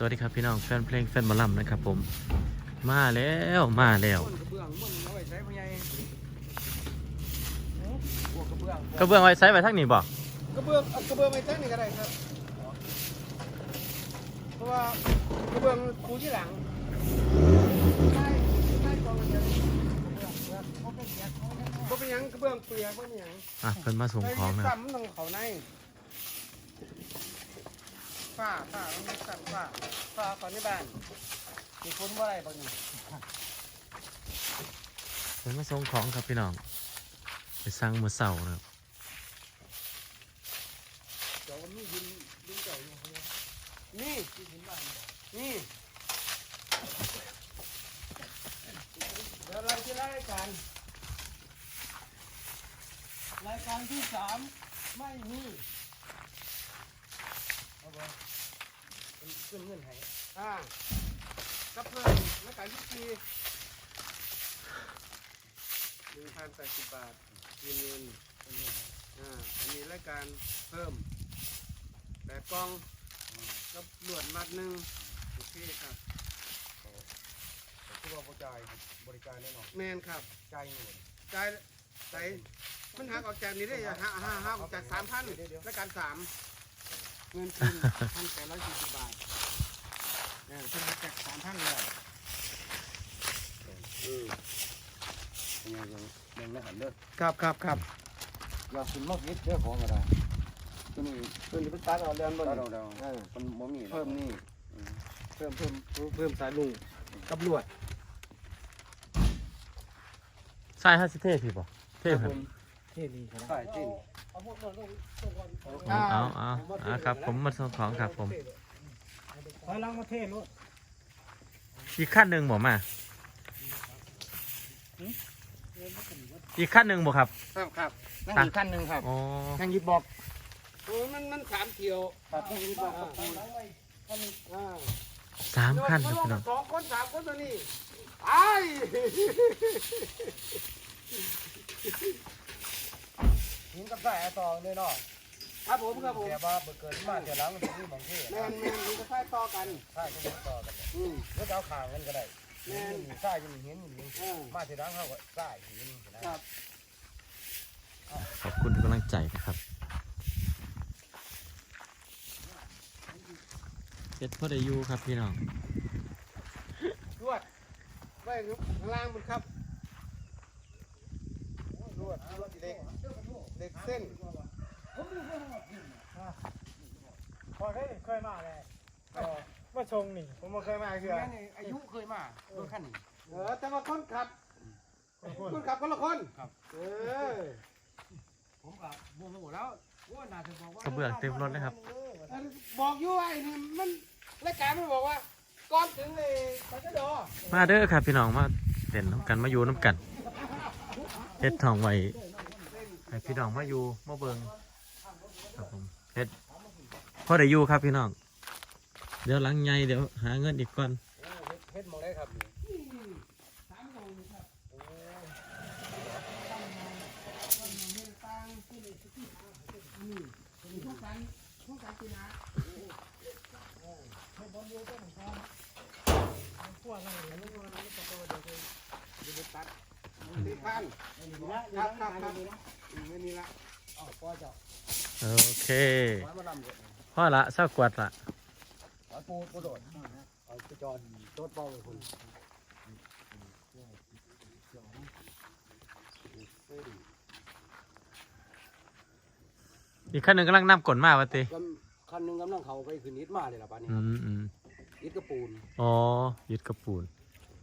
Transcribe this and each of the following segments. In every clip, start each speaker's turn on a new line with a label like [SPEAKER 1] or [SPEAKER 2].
[SPEAKER 1] วัสดีครับพี่น้องแฟนเพลงแฟนหมอลำนะครับผมมาแล้วมาแล้วกระเบื้องไว้ใช้ไว้ทั้งนี้บ่
[SPEAKER 2] กระเบื้องไว้ตั้งนี่ก็ได้ครับเพราะว่ากระเบื้องปูที่หลังใช่กองเลยก็เป็นยังกระเบื้องเปียกก็เป็นยัง
[SPEAKER 1] เพิ่นมาส่งของนะ
[SPEAKER 2] ซ้ำตรงเขาในฝ้ามันสั่นฝ้าก่อนในบ้านมีคนเมื่อไรบ้างนี่
[SPEAKER 1] เพิ่นมาส่งของครับพี่น้องไปสั่งมื้อเช้านะครับ
[SPEAKER 2] เดี๋ยวนี่ยินเก่าอยู่นี่เดี๋ยวเราจะรายการที่3ไม่มีเอาไปขึ้นเงินให้กับเพิ่มรายการที่4 1,080 บาทเงินอันนี้รายการเพิ่ม8กล่องกับลวดมัดหนึ่งโอเคครับคือว่าบริการแน่นอนแมนครับจ่ายเงินจ่ายมันหักออกจากนี้ได้หักออกจาก 3,000 รายการ3เงินคืน 1,840 บาทเพิ่นหักจาก 3,000 เลย
[SPEAKER 3] ยังไม่หันเด้อ
[SPEAKER 2] ครับ
[SPEAKER 3] อยากกินมากนิดเด้อของอะไร
[SPEAKER 2] ตัวนี้เป็นตัดเอาเดือนบ่
[SPEAKER 3] เรามันบ่มี
[SPEAKER 2] เพิ่มนี่เพิ่มสายลุงกับลวด
[SPEAKER 1] ใช่ฮะสิเท่พี่บ่เท่เพิ่น
[SPEAKER 2] เท่ดีครับ
[SPEAKER 3] ใส่จิ้น
[SPEAKER 1] เอาครับผมมาส่งของครับผม
[SPEAKER 2] ถอยหลังมาเท่ลวด
[SPEAKER 1] อีกขั้นหนึ่งบ่มาอีกขั้นหนึ่งบ่ครับ
[SPEAKER 2] ครับนั่งอีกขั้นหนึ่งครับนั่งยึดบอกโอ้มัน3 เที่ยวครับนั่งยึดบอกครับ
[SPEAKER 1] 3 ขั้นครับพี่น้อง
[SPEAKER 2] 2 คน 3 คนตัวนี้ไอ้หินกับสายต่อเลยเนาะครับผมแต่ว่าเกิดมาเดี๋ยวหลังมันจะมีบางที่แม่นหินกับสายต่อกันใช่ก็ต่อกันแล้วเอาข่างกันก็ได้หินสายหินมาเดี๋ยวหลังเขาก็สายหินครับ
[SPEAKER 1] ขอบคุณทุกกำลังใจนะครับเจ็ดพ่อได้ยูครับพี่น้อง
[SPEAKER 2] รวดไว้ข้างล่างมันครับรวดเด็กเส้นพอเคยมาเลยมาชงนี่ผมมาเคยมาคืออายุเคยมาโดนขั้นนี่แต่ว่าคนขับคนละคนครับผมกับวงระบบแล้วว่าน่าจะบอกว่าก
[SPEAKER 1] ระเบื้องเต็มรถเลยครับ
[SPEAKER 2] บอกอยู่ไอ้นี่มันรายการมันบอกว่าก่อนถึงเลยไปก็ดอ
[SPEAKER 1] มาเด้อครับพี่น้องมาเล่นน้ำกันมาอยู่น้ำกันเฮ็ดทองไว้ให้พี่น้องมาอยู่มาเบิ่งครับผมเฮ็ดพอได้อยู่ครับพี่น้องเดี๋ยวหลังใหญ่เดี๋ยวหาเงินอีกก่อน
[SPEAKER 2] เฮ็ดมองได้ครับ
[SPEAKER 1] โอเคพ่อละเศร้ากวดละ
[SPEAKER 2] ปูโดดเอาไปจอดโต๊ะเป้าเลยคุณ
[SPEAKER 1] อีกขั้นหนึ่งกำลังนำกลมาวะตี
[SPEAKER 2] คันหนึ่งกำลังเขาไปขึ้นนิดมาเลยล่ะป้านี่นิดกระปูน
[SPEAKER 1] ยึดกระปูน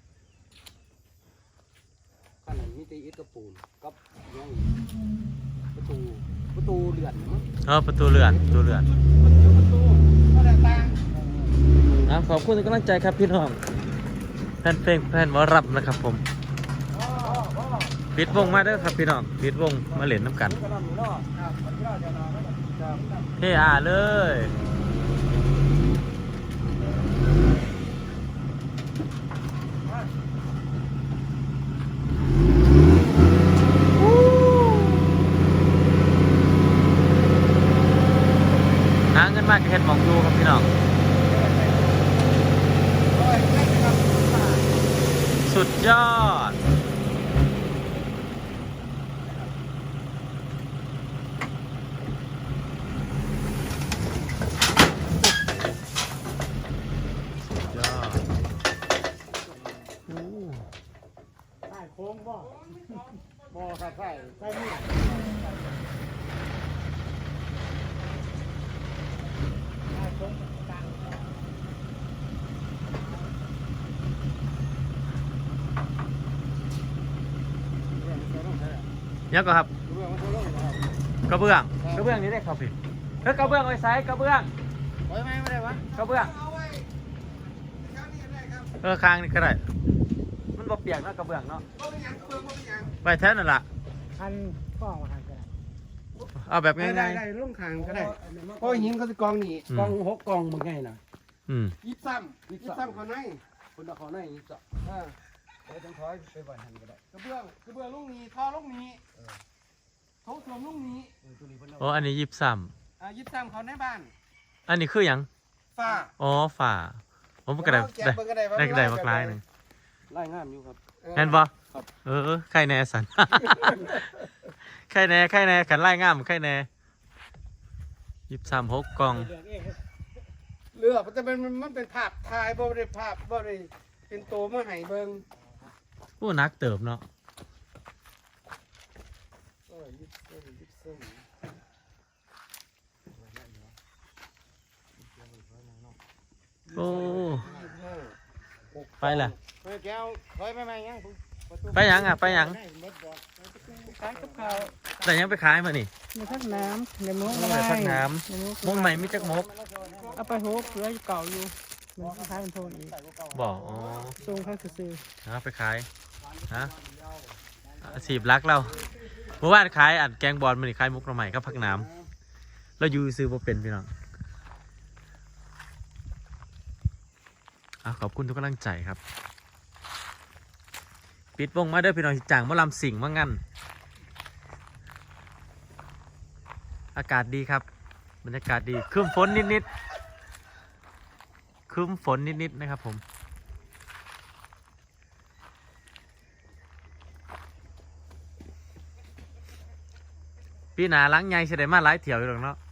[SPEAKER 2] ขั้นนั้นมีแต่อิฐกระปูนกับยังประตูเลื่อน
[SPEAKER 1] ประตูเลื่อนก็ได้ตังขอบคุณทุกกำลังใจครับพี่น้องแฟนเพลงแฟนวอรับนะครับผมปิดวงมาเด้อครับพี่น้องปิดวงมาเล่นน้ำกันเฮ้เลยหาเงินมากจะเห็นมองดูครับพี่น้องสุดยอดสุดยอดโอ้
[SPEAKER 2] ใช่โค้งบ่บ่ครับใช่ใช่นี่ใช่โค้งกลาง
[SPEAKER 1] ยังก็ครับ
[SPEAKER 2] เรื่องมันโตลงนะครับ
[SPEAKER 1] กระเบื้องกระเบื้องนี้ได้ครับพี่เฮ้ยกระเบื้องไว้ไซส์กระเบื้อง
[SPEAKER 2] ไว้ไหมไม่ได้วะ
[SPEAKER 1] กระเบื้อง
[SPEAKER 2] เอาไว้ข้างนี้ได้ครับ
[SPEAKER 1] คางนี่ก็ได้มันบ่เปียกเนาะกระเบื้องเนาะ
[SPEAKER 2] บ่เป็นหยังเปลืองบ่เป็นหยัง
[SPEAKER 1] ไว้แท้นั่นล่ะ
[SPEAKER 4] อันกล้องมาทางก็ได้
[SPEAKER 1] เอาแบบ
[SPEAKER 2] ได้
[SPEAKER 1] ง่าย
[SPEAKER 2] ได้ลงคางก็ได้เพราะหินเขาจะกองนี่กอง6กองมันง่ายนะ
[SPEAKER 1] ๆอืม
[SPEAKER 2] ยิบซ้ำเขาในคนเอาเขาในยิบซ้ำไปต้องถอยไปบ่อยหันก็ได้กระเบื้องลูกนี้ท่อลูกนี้โถส้วมลูกนี้
[SPEAKER 1] โอ้อันนี้ยิบซ้
[SPEAKER 2] ยิบซ้ำเขาในบ้าน
[SPEAKER 1] ำอันนี้คือหยัง
[SPEAKER 2] ฝ้า
[SPEAKER 1] อ๋อฝาผมก็ได้ได้มากลายหนึ่ง
[SPEAKER 3] ไล่งามอยู่ครับ
[SPEAKER 1] เห็นบ่ใครแน่สัน ใครแน่ขันไล่ง่ามใครแน่23 6กล่อง
[SPEAKER 2] เลือกมันจะเป็นมันเป็นภาพถ่ายบ่ได้ภาพบ่ได้เป็นตัวมาให้เบิ่ง
[SPEAKER 1] ผู้นักเติบเนาะ
[SPEAKER 2] ยิบซ้ำ
[SPEAKER 1] โอ้ไปล่ะ
[SPEAKER 2] ไปแก้วถอยไปไหมยัง
[SPEAKER 1] ไปหยังอ่ะไปหยัง
[SPEAKER 4] ขายกับข้าว
[SPEAKER 1] แต่ยังไปขายมานี่
[SPEAKER 4] มีทั้งน้ำในมุก
[SPEAKER 1] โอ้ยพักน้ำมุกใหม่มีจักมก
[SPEAKER 4] เอาไปโฮกเหลืออยู่เก่าอยู่มันคล้ายเป็นโทนอีก
[SPEAKER 1] บอกอ๋อ
[SPEAKER 4] ทรงเขาซื้อ
[SPEAKER 1] เอาไปขายฮะอาชีพรักเราเมื่อวานขายอัดแกงบอลมันนี่ขายมุกใหม่ก็พักน้ำเราอยู่ซื้อบ่เป็นพี่น้องขอบคุณทุกกำลังใจครับปิดวงมาเด้อพี่น้องสิจ่างมะลำสิ่งว่างั้นอากาศดีครับบรรยากาศดีครึ้มฝนนิดๆครึ้มฝนนิดๆนะครับผมพี่หนาล้างใหญ่เสด็จมาหลายเถี่ยวอยู่หรอกเนาะ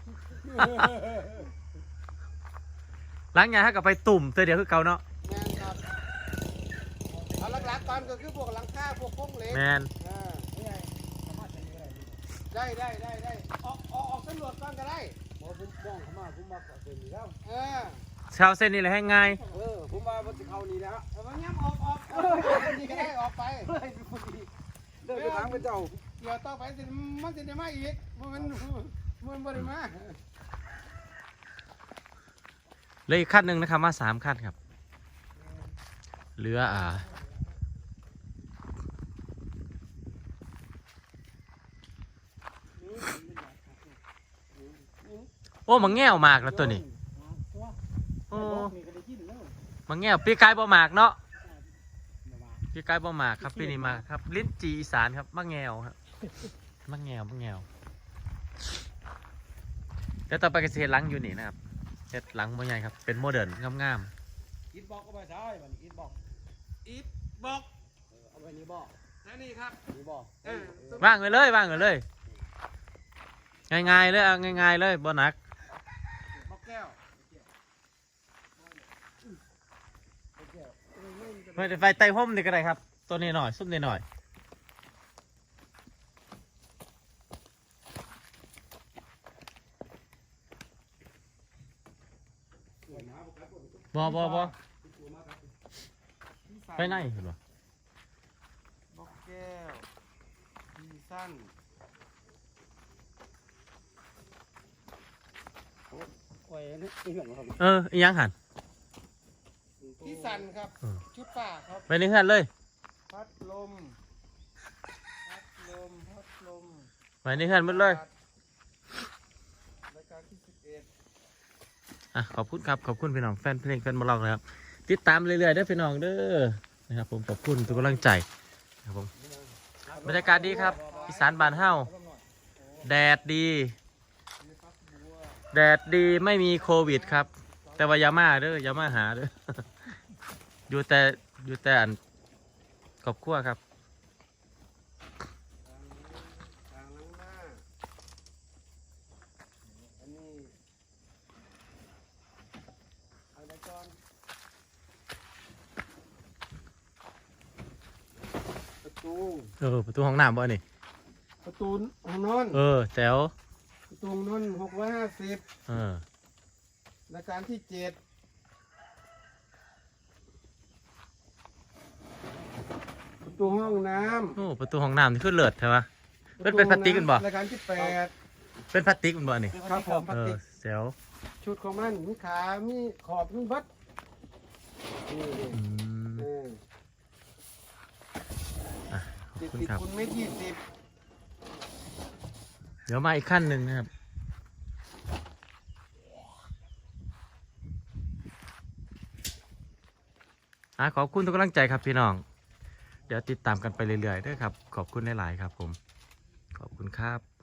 [SPEAKER 1] ล้างใหญ่ถ้ากับไปตุ่มเตยเดียวคือเก่าเนาะ
[SPEAKER 2] แมนครับเอาหลักๆก่อนก็คือพวกหลังคาพวกโครงเหล็ก
[SPEAKER 1] แมน
[SPEAKER 2] ได้ออกสำรวจก่อนก็ได้ผมบ้องเข้ามาผมมาเสร็จแล้ว
[SPEAKER 1] ชาวเส้นนี่แหละให้ง่าย
[SPEAKER 2] ผมมาบนเขานี่แล้วมันย้ำออกนี่ก็ได้ออกไปเดินไปทางพระเจ้าเกี่ยวต่อไปสิมันจะได้มาอีกมันบ่ได้มา
[SPEAKER 1] เหลยอีกขั้นหนึ่งนะครับมา3 ขั้นครับเหลือโอ้มังแง่วมากแล้วตัวนี้โอ้มังแง่วปีกายบ่หมากเนาะปีกายบ่หมากครับปีนี้มาครับลิ้นจีอีสานครับมังแง่วครับมังแง่วแล้วต่อไปก็จะเห็นหลังอยู่นี่นะครับเห็ดหลังบ่ใหญ่ครับเป็นโมเดิร์นงาม
[SPEAKER 2] อิดบอกก็ไปใช่มันอิดบอกเอาไปนี่บอกนี่ครับนี่บอก
[SPEAKER 1] ๆว่างเลยง่ายๆเลยเอาง่ายๆเลยบ่หนัก
[SPEAKER 2] บอกแก้ว
[SPEAKER 1] ไฟไต่ห่มนี่ก็ได้ครับตัวนี้หน่อยซุ่มนี่หน่อยบ่ไปไหนเห็นบ่
[SPEAKER 2] บอกแก้วดีสั้น
[SPEAKER 3] โอ้ยนี่อีกอย่างครับ
[SPEAKER 1] อีหยังหัน
[SPEAKER 2] ที่สันครับชุดป่าครับ
[SPEAKER 1] ไปนี่เฮือนเลย
[SPEAKER 2] พัดลม
[SPEAKER 1] ไปนี่เฮือนหมดเลย
[SPEAKER 2] รายการที่11
[SPEAKER 1] ขอบคุณครับขอบคุณพี่น้องแฟนเพลงแฟนบอลล็อกนะครับติดตามเรื่อยๆเด้อพี่น้องเด้อนะครับผมขอบคุณทุกกำลังใจครับผมบรรยากาศดีครับอีสานบ้านเฮาแดดดีไม่มีโควิดครับแต่ว่าอย่ามาเด้ออย่ามาหาเด้อ อยู่แต่อันครอบครัวครับ
[SPEAKER 2] ทางล้างหน้าอันนี้อะไรก่อนประตู
[SPEAKER 1] ประตูห้องน้ำบ่นี่
[SPEAKER 2] ประตูห้องนอน
[SPEAKER 1] แจ๋ว
[SPEAKER 2] ประตูห้องนอน650รายการที่7ประตูห้องน้
[SPEAKER 1] ประตูห้องน้ำนี่คือเลิศใช่ปะ
[SPEAKER 2] ำ
[SPEAKER 1] เป็นพลาสติกกันบ่
[SPEAKER 2] รายการที่8
[SPEAKER 1] เป็นพลาสติกมันบ่นี่
[SPEAKER 2] ครับผมพลาสติก
[SPEAKER 1] แจ๋ว
[SPEAKER 2] ชุดของมันมีขามีขอบมีบัดนี่
[SPEAKER 1] อืม ขอบคุณ
[SPEAKER 2] ติด
[SPEAKER 1] ครับ
[SPEAKER 2] คุณเมตร20
[SPEAKER 1] เดี๋ยวมาอีกขั้นหนึ่งนะครับขอบคุณทุกกำลังใจครับพี่น้อง เดี๋ยวติดตามกันไปเรื่อยๆด้วยครับ ขอบคุณหลายๆครับผม ขอบคุณครับ